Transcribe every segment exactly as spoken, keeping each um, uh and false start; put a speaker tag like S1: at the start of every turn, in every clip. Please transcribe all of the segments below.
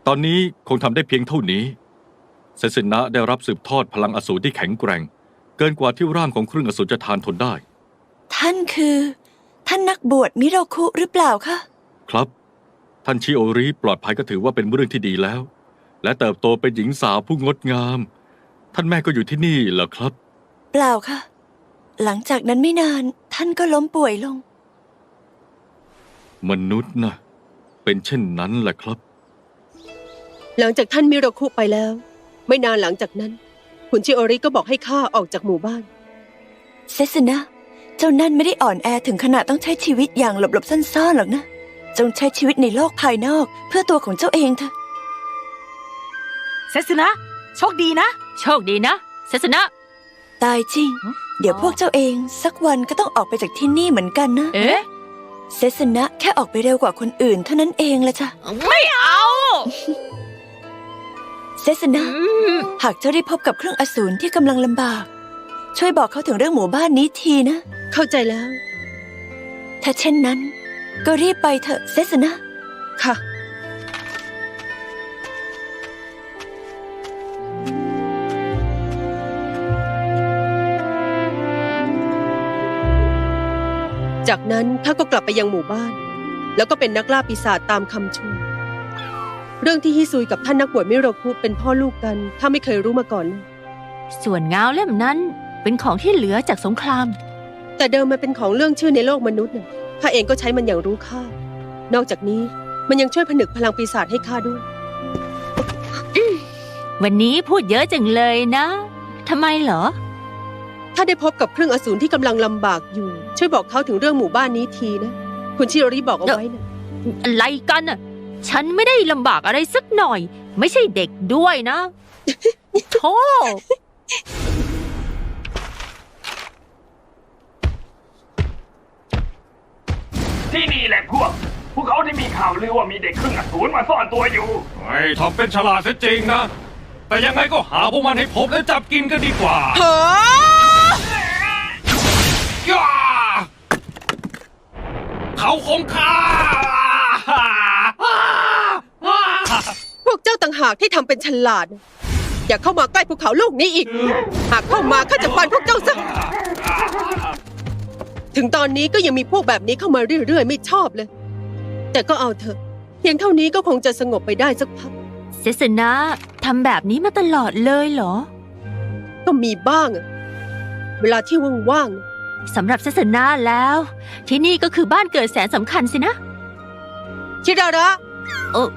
S1: ตอนนี้คงทำได้เพียงเท่านี้เซซินะได้รับสืบทอดพลังอสูรที่แข็งแกร่งเกินกว่าที่ร่างของครึ่งอสูรจะทานทนได้
S2: ท่านคือท่านนักบวชมิโรคุหรือเปล่าคะ
S1: ครับท่านชิโอริปลอดภัยก็ถือว่าเป็นเรื่องที่ดีแล้วและเติบโตเป็นหญิงสาวผู้งดงามท่านแม่ก็อยู่ที่นี่เหรอครับ
S2: เปล่าค่ะหลังจากนั้นไม่นานท่านก็ล้มป่วยลง
S1: มนุษย์นะเป็นเช่นนั้นแหละครับ
S3: หลังจากท่านมิโรคุไปแล้วไม่นานหลังจากนั้นคุณชิโอริก็บอกให้ข้าออกจากหมู่บ้าน
S2: เซซึนะเจ้านั่นไม่ได้อ่อนแอถึงขนาดต้องใช้ชีวิตอย่างหลบๆซ่อนๆหรอกนะจงใช้ชีวิตในโลกภายนอกเพื่อตัวของเจ้าเองเถอะ
S4: เซซึนะโชคดีนะโชคดีนะเซซึนะ
S2: ตายจริงเดี๋ยวพวกเจ้าเองสักวันก็ต้องออกไปจากที่นี่เหมือนกันนะ
S4: เอ๊ะ
S2: เซซึนะแค่ออกไปเร็วกว่าคนอื่นเท่านั้นเองละจ้ะ
S4: ไม่เอา
S2: เซซึนะหากเจ้าได้พบกับเครื่องอสูรที่กำลังลำบากช่วยบอกเขาถึงเรื่องหมู่บ้านนี้ทีนะ
S3: เข้าใจแล้ว
S2: ถ้าเช่นนั้นก็รีบไปเถอะเซซึนะ
S3: ค่ะจากนั้นข้าก็กลับไปยังหมู่บ้านแล้วก็เป็นนักล่าปีศาจตามคำชวนเรื่องที่ฮิซุยกับท่านนักบวชมิโรคุเป็นพ่อลูกกันข้าไม่เคยรู้มาก่อนเลย
S4: ส่วนเงาเล่มนั้นเป็นของที่เหลือจากสงคราม
S3: แต่เดิมมันเป็นของเรื่องชื่อในโลกมนุษย์น่ะข้าเองก็ใช้มันอย่างรู้ค่านอกจากนี้มันยังช่วยผนึกพลังปีศาจให้ข้าด้วย
S4: วันนี้พูดเยอะจังเลยนะทำไมเหรอ
S3: ถ้าได้พบกับเครื่องอสูรที่กำลังลำบากอยู่ช่วยบอกเขาถึงเรื่องหมู่บ้านนี้ทีนะคุณชิโอริบอกเอาไว้นะ
S4: อะไรกันน่ะฉันไม่ได้ลำบากอะไรสักหน่อยไม่ใช่เด็กด้วยนะโธ่
S5: ที่นี่แหละพวกพวกเขาที่มีข่าวลือว่ามีเด็กครึ่งอสูรมาซ่อนตัวอยู่
S1: ไอ้ทำเป็นฉลาดซะจริงนะแต่ยังไงก็หาพวกมันให้พบและจับกินกันดีกว่า
S4: เฮ้
S1: ยเขาคงฆ่า
S3: พวกเจ้าต่างหากที่ทำเป็นฉลาดอย่าเข้ามาใกล้ภูเขาลูกนี้อีกหากเข้ามาข้าจะฟันพวกเจ้าซะถึงตอนนี้ก็ยังมีพวกแบบนี้เข้ามาเรื่อยๆไม่ชอบเลยแต่ก็เอาเถอะเพียงเท่านี้ก็คงจะสงบไปได้สักพัก
S4: เซซึนะทำแบบนี้มาตลอดเลยเหรอ
S3: ก็มีบ้างอะเวลาที่ว่าง
S4: ๆสำหรับเซซึนะแล้วที่นี่ก็คือบ้านเกิดแสนสำคัญสินะ
S3: ชิดาระ
S4: โอ้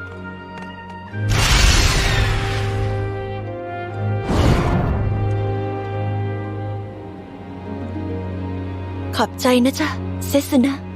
S2: ขอบใจนะจ๊ะเซซึนะ